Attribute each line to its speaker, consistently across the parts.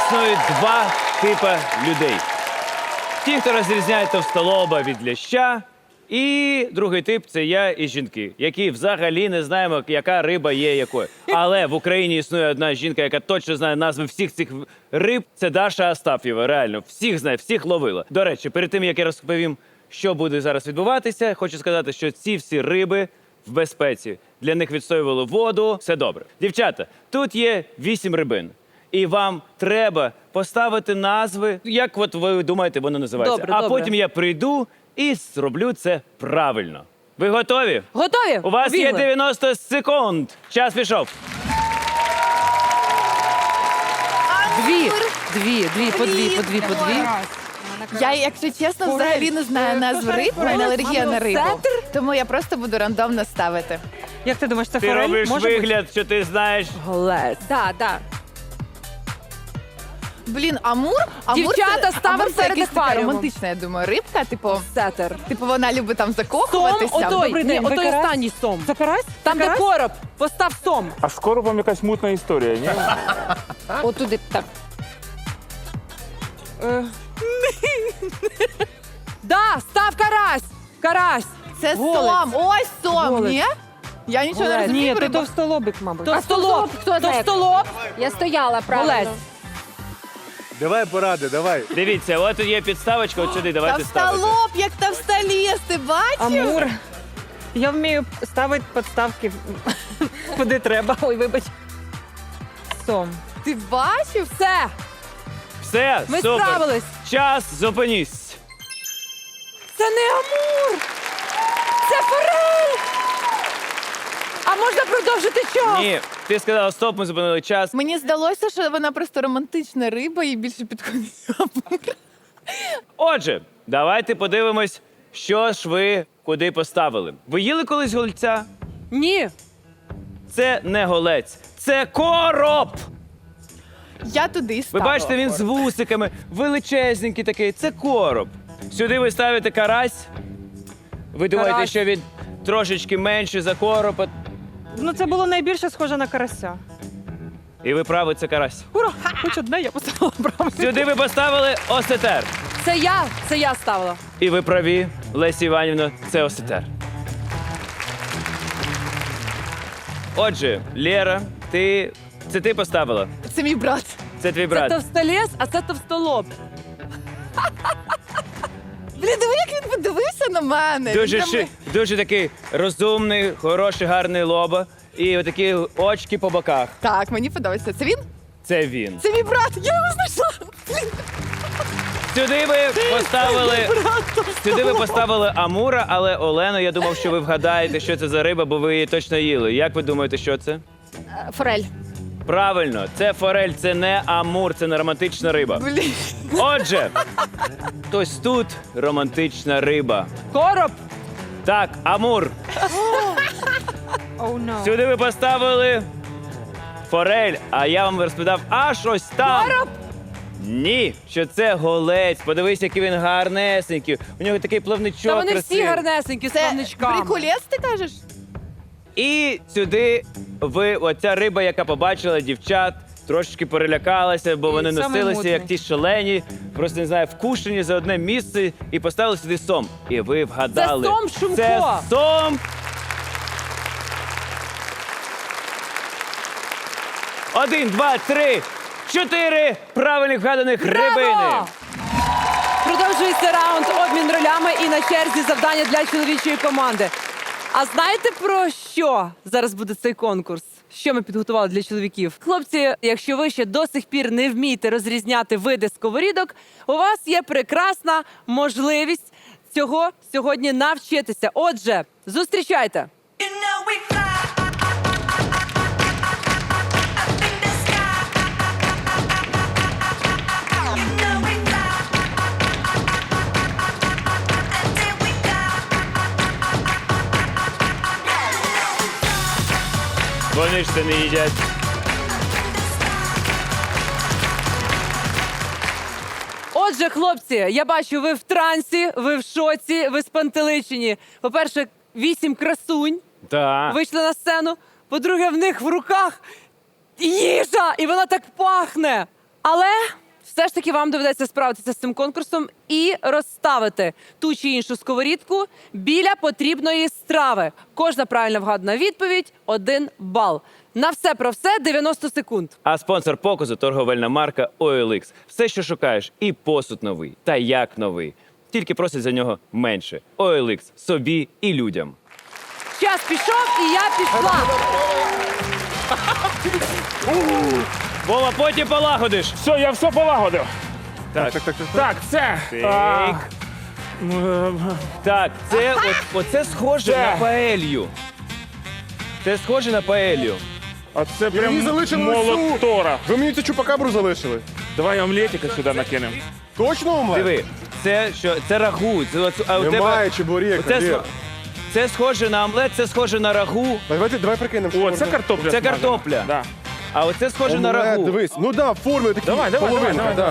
Speaker 1: існують два типи людей. Ті, хто розрізняє товстолоба від ляща, і другий тип – це я і жінки, які взагалі не знаємо, яка риба є якою. Але в Україні існує одна жінка, яка точно знає назви всіх цих риб. Це Даша Астаф'єва, реально. Всіх знає, всіх ловила. До речі, перед тим, як я розповім, що буде зараз відбуватися, хочу сказати, що ці всі риби в безпеці. Для них відстоювали воду, все добре. Дівчата, тут є 8 рибин. І вам треба поставити назви, як от ви думаєте, воно називається.
Speaker 2: Добре,
Speaker 1: а
Speaker 2: добре.
Speaker 1: потім я прийду і зроблю це правильно. Ви готові?
Speaker 2: Готові?
Speaker 1: У вас є
Speaker 2: Бігли.
Speaker 1: 90 секунд. Час пішов.
Speaker 2: Дві, по дві.
Speaker 3: Я, якщо чесно, взагалі не знаю назв риб, у мене алергія на рибу. Тому я просто буду рандомно ставити.
Speaker 4: Як ти думаєш, це
Speaker 1: Ти
Speaker 4: форель?
Speaker 1: робиш
Speaker 4: Може бути?
Speaker 1: вигляд, що ти знаєш.
Speaker 2: Голець.
Speaker 5: Да.
Speaker 3: Блін, амур?
Speaker 2: Дівчата, ставимо
Speaker 3: амур
Speaker 2: це
Speaker 3: це така
Speaker 2: акваріумом.
Speaker 3: романтична, я думаю, рибка.
Speaker 2: Сетер.
Speaker 3: Типу вона любить там
Speaker 2: Сом,
Speaker 3: закохуватися.
Speaker 2: отой,
Speaker 4: Добрий день, ви
Speaker 2: отой
Speaker 4: карась?
Speaker 2: останній сом.
Speaker 4: Це карась?
Speaker 2: Там,
Speaker 4: Це
Speaker 2: де
Speaker 4: карась?
Speaker 2: короб, постав сом.
Speaker 6: А з коробом якась мутна історія, ні?
Speaker 5: Отуди так.
Speaker 2: Да, став карась. Карась.
Speaker 3: Це
Speaker 2: Голець.
Speaker 3: сом. Ось сом,
Speaker 2: Голець.
Speaker 3: ні? Я нічого не
Speaker 2: Голець.
Speaker 3: розумію.
Speaker 4: Ні,
Speaker 3: про
Speaker 4: то
Speaker 3: рибу.
Speaker 4: товстолобик, мабуть.
Speaker 2: Товстолоб.
Speaker 5: Хто знає?
Speaker 2: Товстолоб.
Speaker 5: Я стояла правильно.
Speaker 2: Голець.
Speaker 7: Давай поради, давай.
Speaker 1: Дивіться, от тут є підставочка, от сюди давайте ставити.
Speaker 3: Товстолоб, як товстоліс, ти бачив?
Speaker 4: Амур. Я вмію ставити підставки куди треба. Ой, вибач. Сом.
Speaker 3: Ти бачив?
Speaker 2: Все.
Speaker 1: Все,
Speaker 2: Ми
Speaker 1: супер.
Speaker 2: справились.
Speaker 1: Час, зупинісь.
Speaker 2: Це не амур. Це форель. А можна продовжити час?
Speaker 1: Ні, ти сказала стоп, ми зупинили час.
Speaker 3: Мені здалося, що вона просто романтична риба і більше підходить амур.
Speaker 1: Отже, давайте подивимось, що ж ви куди поставили. Ви їли колись голця?
Speaker 2: Ні.
Speaker 1: Це не голець, це короб!
Speaker 3: Я туди
Speaker 1: Ви
Speaker 3: ставила.
Speaker 1: бачите, він з вусиками, величезненький такий. Це короб. Сюди ви ставите карась. Ви думаєте,
Speaker 2: Карась.
Speaker 1: що він трошечки менший за короб,
Speaker 4: Ну, це було найбільше схоже на карася.
Speaker 1: і ви праві, це карась.
Speaker 4: Ура! Хоч одне я поставила правильно.
Speaker 1: Сюди ви поставили осетер.
Speaker 2: Це я ставила.
Speaker 1: І ви праві, Лесі Іванівна, це осетер. Отже, Лєра, це ти поставила.
Speaker 3: Це мій брат.
Speaker 1: Це твій
Speaker 2: Це
Speaker 1: брат.
Speaker 2: товстоліс, а це товстолоб.
Speaker 3: Блін, диви, як він подивився на мене.
Speaker 1: Дуже,
Speaker 3: Він прям-
Speaker 1: дуже такий розумний, хороший, гарний лоба. І отакі очки по боках.
Speaker 3: Так, мені подобається. Це він?
Speaker 1: Це він.
Speaker 3: Це мій брат. Я його знайшла. Блін.
Speaker 1: Сюди ви поставили амура, але Олено, я думав, що ви вгадаєте, що це за риба, бо ви її точно їли. Як ви думаєте, що це?
Speaker 5: Форель.
Speaker 1: Правильно, це форель, це не амур, це не романтична риба.
Speaker 3: Блін.
Speaker 1: Отже, ось тут романтична риба.
Speaker 2: Короб.
Speaker 1: Так, амур. Сюди ви поставили форель, а я вам розповідав аж ось там.
Speaker 2: Короб.
Speaker 1: Ні, що це голець. Подивись, який він гарнесенький. У нього такий плавничок
Speaker 2: Та вони всі
Speaker 1: красивий.
Speaker 2: гарнесенькі з
Speaker 3: Це
Speaker 2: плавничками.
Speaker 3: приколес, ти кажеш?
Speaker 1: І сюди оця риба, яка побачила дівчат, трошечки перелякалася, бо вони
Speaker 4: самий
Speaker 1: носилися,
Speaker 4: мутний.
Speaker 1: як ті шалені, просто не знаю, вкушені за одне місце і поставили сюди сом. І ви вгадали.
Speaker 2: Це сом Шумко.
Speaker 1: Це сом. Один, два, три, чотири правильних вгаданих рибини.
Speaker 2: Браво! Продовжується раунд обмін ролями і на черзі завдання для чоловічої команди. А знаєте про що зараз буде цей конкурс? Що ми підготували для чоловіків? Хлопці, якщо ви ще до сих пір не вмієте розрізняти види сковорідок, у вас є прекрасна можливість цього сьогодні навчитися. Отже, зустрічайте!
Speaker 1: Вони ж це не їдять.
Speaker 2: Отже, хлопці, я бачу, ви в трансі, ви в шоці, ви спантеличені. По-перше, 8 красунь
Speaker 1: Так.
Speaker 2: вийшли на сцену. По-друге, в них в руках їжа, і вона так пахне. Але все ж таки вам доведеться справитися з цим конкурсом і розставити ту чи іншу сковорідку біля потрібної страви. Кожна правильно вгадана відповідь – 1 бал. На все про все 90 секунд.
Speaker 1: А спонсор показу – торговельна марка OLX. Все, що шукаєш, і посуд новий, та як новий. Тільки просять за нього менше. OLX – собі і людям.
Speaker 2: Час пішов, і я пішла.
Speaker 1: Вова, потім полагодиш.
Speaker 6: Все, я все полагодив.
Speaker 1: Так,
Speaker 6: Так, це.
Speaker 1: так. Так, це оце схоже
Speaker 6: Це.
Speaker 1: на паелью. Це схоже на паелью.
Speaker 6: А це прям
Speaker 7: Мені залишили
Speaker 6: молот Тора.
Speaker 7: Ви мені цю чупакабру залишили.
Speaker 6: Давай омлетика сюди накинемо.
Speaker 7: Точно омлет?
Speaker 1: Диви, це рагу. А у
Speaker 7: Немає
Speaker 1: тебе
Speaker 7: чебурека.
Speaker 1: оце
Speaker 7: Лєр.
Speaker 1: це схоже на омлет, це схоже на рагу.
Speaker 7: Давай прикинемо. що
Speaker 6: О,
Speaker 7: можна.
Speaker 6: це картопля.
Speaker 1: Це
Speaker 6: смажена.
Speaker 1: картопля.
Speaker 6: Да.
Speaker 1: А оце схоже на
Speaker 7: Омлет,
Speaker 1: рагу.
Speaker 7: дивись. Ну да, в формі такі
Speaker 6: Давай,
Speaker 7: половинка,
Speaker 6: давай.
Speaker 7: да.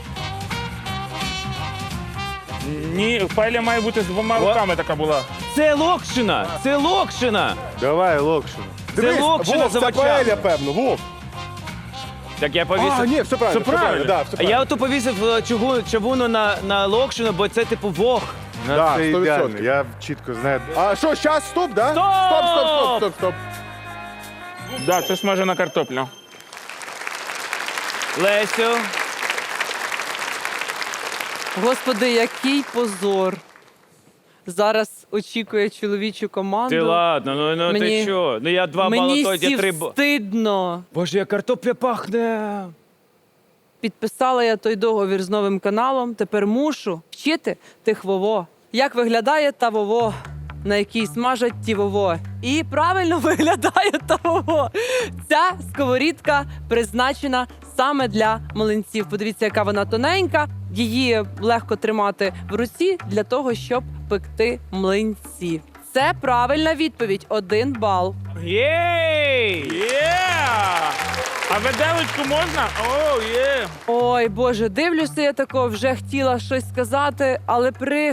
Speaker 6: Ні, паеля має бути з 2 руками така була.
Speaker 1: Це локшина! Це локшина!
Speaker 7: Давай, локшину. Дивись,
Speaker 1: локшина
Speaker 7: Вов,
Speaker 1: з
Speaker 7: це
Speaker 1: овочами.
Speaker 7: паеля, певно, Вов.
Speaker 1: Так я повісив.
Speaker 7: А, ні, все правильно,
Speaker 6: Все правильно.
Speaker 7: Да, все
Speaker 1: А
Speaker 7: правильно.
Speaker 1: я ото повісив чавуну на локшину, бо це типу вог.
Speaker 7: Да,
Speaker 8: Це
Speaker 7: 100%.
Speaker 8: ідеально, я чітко знаю.
Speaker 7: А що, щас, стоп, да?
Speaker 1: Стоп!
Speaker 7: Стоп.
Speaker 6: Да, це смажена картопля.
Speaker 1: Лесю.
Speaker 2: Господи, який позор. Зараз очікує чоловічу команду.
Speaker 1: Ти ладно, ну
Speaker 2: Мені-
Speaker 1: ти що? Ну я 2 бали,
Speaker 2: Мені
Speaker 1: то я 3 бали.
Speaker 2: стидно.
Speaker 1: Боже, як картопля пахне.
Speaker 2: Підписала я той договір з новим каналом. Тепер мушу вчити тих вово. Як виглядає та вово, на якій смажать ті вово. І правильно виглядає та вово. Ця сковорідка призначена саме для млинців. Подивіться, яка вона тоненька. Її легко тримати в руці для того, щоб пекти млинці. Це правильна відповідь. 1 бал.
Speaker 1: Єй!
Speaker 6: Є! А виделочку можна? О, є!
Speaker 2: Ой, Боже, дивлюся я тако, вже хотіла щось сказати, але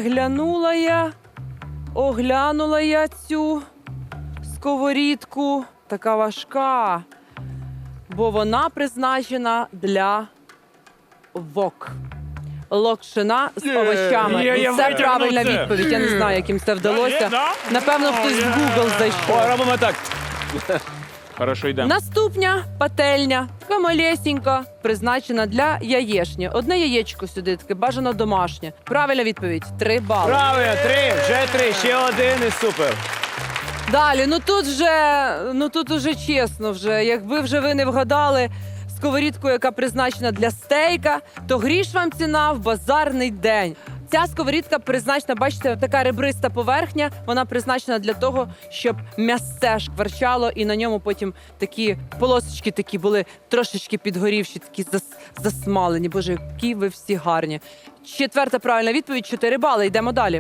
Speaker 2: оглянула я цю сковорідку. Така важка, бо вона призначена для вок. Локшина з овочами.
Speaker 1: Я
Speaker 2: І це
Speaker 1: витягнув
Speaker 2: правильна
Speaker 1: це.
Speaker 2: відповідь. Я не знаю, яким це вдалося.
Speaker 6: Да?
Speaker 2: Напевно, хтось в Google зайшов.
Speaker 1: О, робимо так.
Speaker 6: Хорошо, йдемо.
Speaker 2: Наступня пательня, така малесенька, призначена для яєчні. Одне яєчко сюди, таке бажано домашнє. Правильна відповідь 3 бали.
Speaker 1: Правильно, 3, вже 3, ще 1 і супер.
Speaker 2: Далі, тут уже чесно вже. Якби вже ви не вгадали сковорідку, яка призначена для стейка, то гріш вам ціна в базарний день. Ця сковорідка призначена, бачите, така ребриста поверхня. Вона призначена для того, щоб м'ясце шкварчало, і на ньому потім такі полосочки такі були трошечки підгорівші, такі засмалені. Боже, які ви всі гарні. 4-та правильна відповідь, 4 бали. Йдемо далі.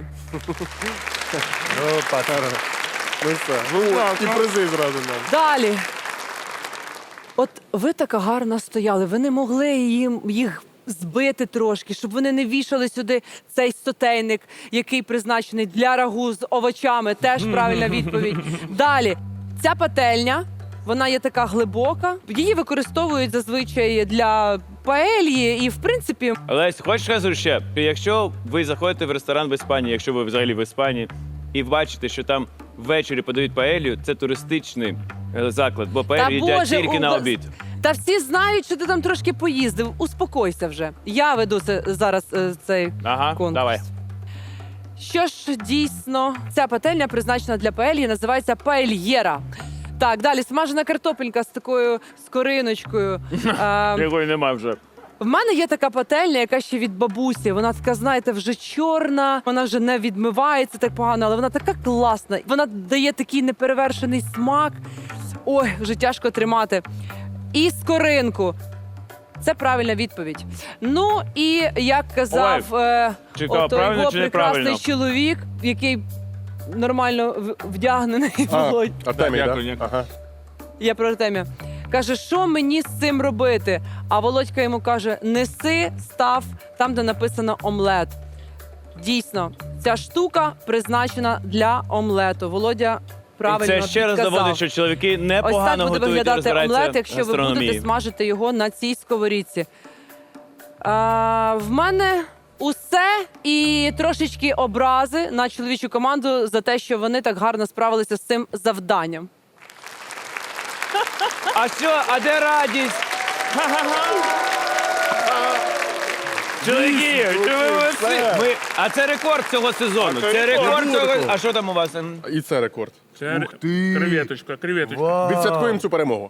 Speaker 7: Опа, ну все. Ну, і призи зразу нам.
Speaker 2: Далі. От ви така гарно стояли, ви не могли їх збити трошки, щоб вони не вішали сюди цей сотейник, який призначений для рагу з овочами. Теж правильна відповідь. Далі. Ця пательня, вона є така глибока. Її використовують зазвичай для паельї і, в принципі,
Speaker 1: Лесь, хочеш скажу ще? Якщо ви заходите в ресторан в Іспанії, якщо ви взагалі в Іспанії, і бачите, що там ввечері подають паелью, це туристичний заклад, бо паелью їдять тільки на обід.
Speaker 2: Та всі знають, що ти там трошки поїздив. Успокойся вже. Я веду зараз цей
Speaker 1: Ага,
Speaker 2: конкурс.
Speaker 1: давай.
Speaker 2: Що ж, дійсно, ця пательня призначена для паельї, називається паельєра. Так, далі смажена картопелька з такою скориночкою.
Speaker 1: Якої нема вже.
Speaker 2: В мене є така пательня, яка ще від бабусі. Вона така, знаєте, вже чорна, вона вже не відмивається так погано, але вона така класна. Вона дає такий неперевершений смак. Ой, вже тяжко тримати. І скоринку. Це правильна відповідь. Ну і як казав
Speaker 1: Чекав,
Speaker 2: ото
Speaker 1: правильно
Speaker 2: його
Speaker 1: чи
Speaker 2: прекрасний
Speaker 1: неправильно?
Speaker 2: чоловік, який нормально вдягнений, Володь.
Speaker 7: Артемій,
Speaker 6: Дякую,
Speaker 7: да?
Speaker 6: дякую.
Speaker 7: Ага.
Speaker 2: Я про Артемія. Каже, що мені з цим робити? А Володька йому каже: неси, став там, де написано омлет. Дійсно, ця штука призначена для омлету. Володя правильно
Speaker 1: І це ще раз
Speaker 2: підказав.
Speaker 1: доводить, що чоловіки
Speaker 2: Ось
Speaker 1: непогано
Speaker 2: так буде
Speaker 1: готують і
Speaker 2: виглядати
Speaker 1: розбираються
Speaker 2: омлет,
Speaker 1: в
Speaker 2: якщо ви
Speaker 1: гастрономії.
Speaker 2: будете смажити його на цій сковорідці. В мене усе і трошечки образи на чоловічу команду за те, що вони так гарно справилися з цим завданням.
Speaker 1: А що, а де радість? Чоловіки, чи ви молодці? А це рекорд цього сезону. Це рекорд цього. А що там у вас?
Speaker 7: І це рекорд.
Speaker 6: Це
Speaker 7: Ух ти.
Speaker 6: креветочка, креветочка.
Speaker 7: Відсвяткуємо цю перемогу.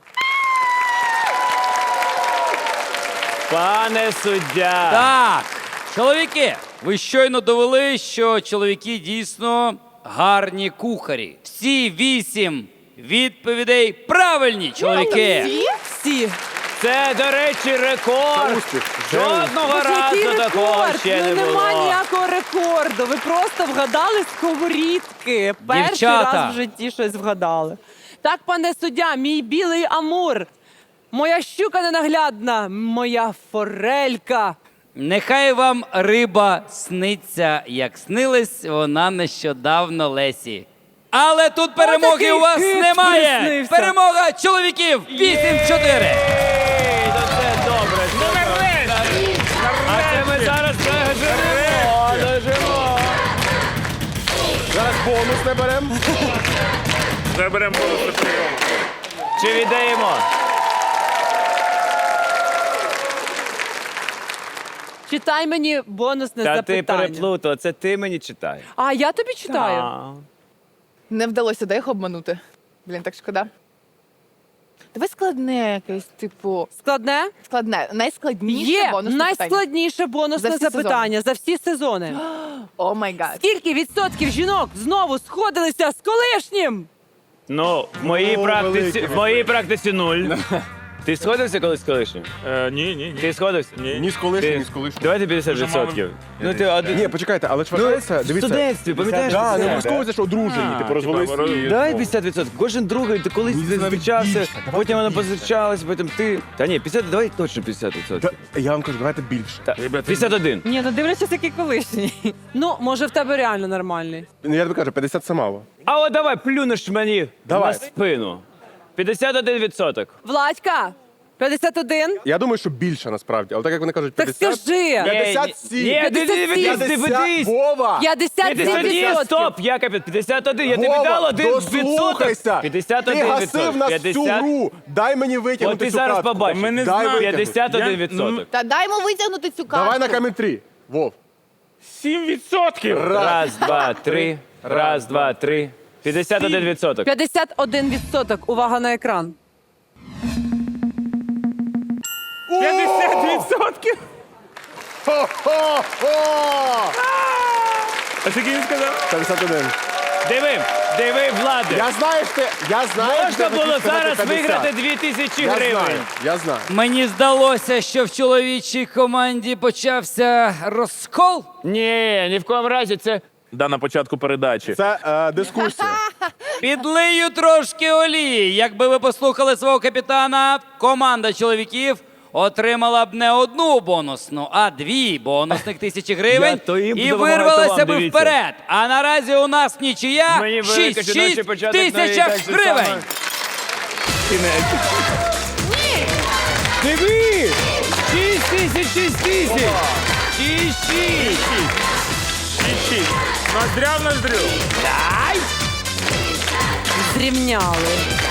Speaker 1: Пане суддя.
Speaker 8: Так, чоловіки, ви щойно довели, що чоловіки дійсно гарні кухарі. Всі 8 відповідей правильні, чоловіки.
Speaker 2: Всі.
Speaker 1: Це, до речі, рекорд.
Speaker 7: Успіх.
Speaker 1: Жодного
Speaker 2: Боже, який
Speaker 1: разу такого
Speaker 2: рекорд?
Speaker 1: ще не
Speaker 2: Ну, нема
Speaker 1: було.
Speaker 2: ніякого рекорду. Ви просто вгадали сковорідки. Перший
Speaker 8: Дівчата.
Speaker 2: раз в житті щось вгадали. Так, пане суддя, мій білий амур. Моя щука ненаглядна, моя форелька.
Speaker 8: Нехай вам риба сниться, як снилась вона нещодавно Лесі. Але тут перемоги
Speaker 2: такий
Speaker 8: у вас
Speaker 2: кит
Speaker 8: немає.
Speaker 2: приснився.
Speaker 8: Перемога чоловіків 8-4.
Speaker 1: Ей, ну це добре. це добре. А це ми зараз дожимо.
Speaker 7: Зараз бонус не беремо.
Speaker 6: Заберемо бонусну прийому.
Speaker 1: Чи віддаємо?
Speaker 2: Читай мені бонусне
Speaker 1: Та ти
Speaker 2: запитання.
Speaker 1: переплутала, це ти мені читаєш.
Speaker 2: А, я тобі читаю.
Speaker 1: А.
Speaker 3: Не вдалося де їх обманути. Блін, так шкода. Давай складне якесь, типу,
Speaker 2: Складне?
Speaker 3: складне, найскладніше
Speaker 2: Є
Speaker 3: бонусне питання.
Speaker 2: найскладніше бонусне
Speaker 3: За всі
Speaker 2: запитання за всі сезони.
Speaker 3: О май гад.
Speaker 2: Скільки відсотків жінок знову сходилися з колишнім?
Speaker 1: Ну, в моїй практиці 0. Ти сходився колись з колишнім?
Speaker 6: Ні.
Speaker 1: Ти сходився?
Speaker 7: Ні з колишнім, ні з колишнім.
Speaker 1: Давайте 50%. Ну ти один.
Speaker 7: Ні, почекайте, але ж вважається,
Speaker 1: в
Speaker 7: дивіться.
Speaker 1: студентстві, пам'ятаєш?
Speaker 7: Так, не
Speaker 1: це?
Speaker 7: обов'язково, що одружені, типу розвелися. і-
Speaker 1: Давай 50%. Кожен другий, ти колись зустрічався, потім вона позустрічалась, потім ти. Та ні, 50, давай точно 50%.
Speaker 7: Та, я вам кажу, давайте більше.
Speaker 1: Та, 51.
Speaker 4: Ні, ну дивлячись, який колишній.
Speaker 2: Ну, може, в тебе реально нормальний.
Speaker 7: Ну, я тобі кажу, 50 це мало.
Speaker 1: А от давай плюнеш мені
Speaker 7: Давай.
Speaker 1: на спину. 51%.
Speaker 2: Владька, 51?
Speaker 7: Я думаю, що більше насправді, але так як вони кажуть,
Speaker 2: Так
Speaker 7: 50.
Speaker 2: скажи.
Speaker 7: 57.
Speaker 1: Ні, ти
Speaker 2: 57.
Speaker 1: дивись.
Speaker 7: Вова!
Speaker 2: 57
Speaker 1: Ні, стоп, я капець, 51, я тобі
Speaker 7: Вова,
Speaker 1: дав 1%.
Speaker 7: дослухайся!
Speaker 1: 51%.
Speaker 7: Ти гасив нас всю гру! Дай мені
Speaker 1: От
Speaker 7: витягнути
Speaker 1: ти
Speaker 7: цю
Speaker 1: зараз
Speaker 7: картку.
Speaker 1: побачиш.
Speaker 6: Ми не
Speaker 7: Дай
Speaker 6: знаємо.
Speaker 7: витягнути.
Speaker 1: 51%.
Speaker 3: Та дай йому витягнути цю карту.
Speaker 7: Давай на камінь 3. Вов.
Speaker 6: 7%.
Speaker 1: Раз, два, три. Раз, два, три. 51%.
Speaker 2: 51%. Увага на екран.
Speaker 6: 50%.
Speaker 7: Хо-хо-хо!
Speaker 6: А скільки він сказав?
Speaker 7: 51.
Speaker 1: Диви, Влади.
Speaker 7: Я знаю, що
Speaker 1: Можна
Speaker 7: ти
Speaker 1: було
Speaker 7: хотів сказати
Speaker 1: зараз
Speaker 7: 50.
Speaker 1: виграти 2000
Speaker 7: Я
Speaker 1: гривень.
Speaker 7: знаю, я знаю.
Speaker 8: Мені здалося, що в чоловічій команді почався розкол.
Speaker 1: Ні, ні в коєму разі це.
Speaker 6: Да, на початку передачі.
Speaker 7: Це дискусія.
Speaker 8: Підлию трошки олії. Якби ви послухали свого капітана, команда чоловіків отримала б не одну бонусну, а 2 бонусних тисячі гривень
Speaker 1: Я то їм
Speaker 8: і
Speaker 1: допомагаю, то
Speaker 8: вирвалася
Speaker 1: вам,
Speaker 8: би
Speaker 1: дивіться.
Speaker 8: вперед. А наразі у нас нічия
Speaker 1: Мені велика жіночий
Speaker 8: 6-6
Speaker 1: початок на
Speaker 8: тисячах
Speaker 1: так же
Speaker 8: гривень.
Speaker 1: само. Диви! 6 тисяч, 6 тисяч! 6.
Speaker 6: Ноздря в ноздрю.
Speaker 2: Зрівняли.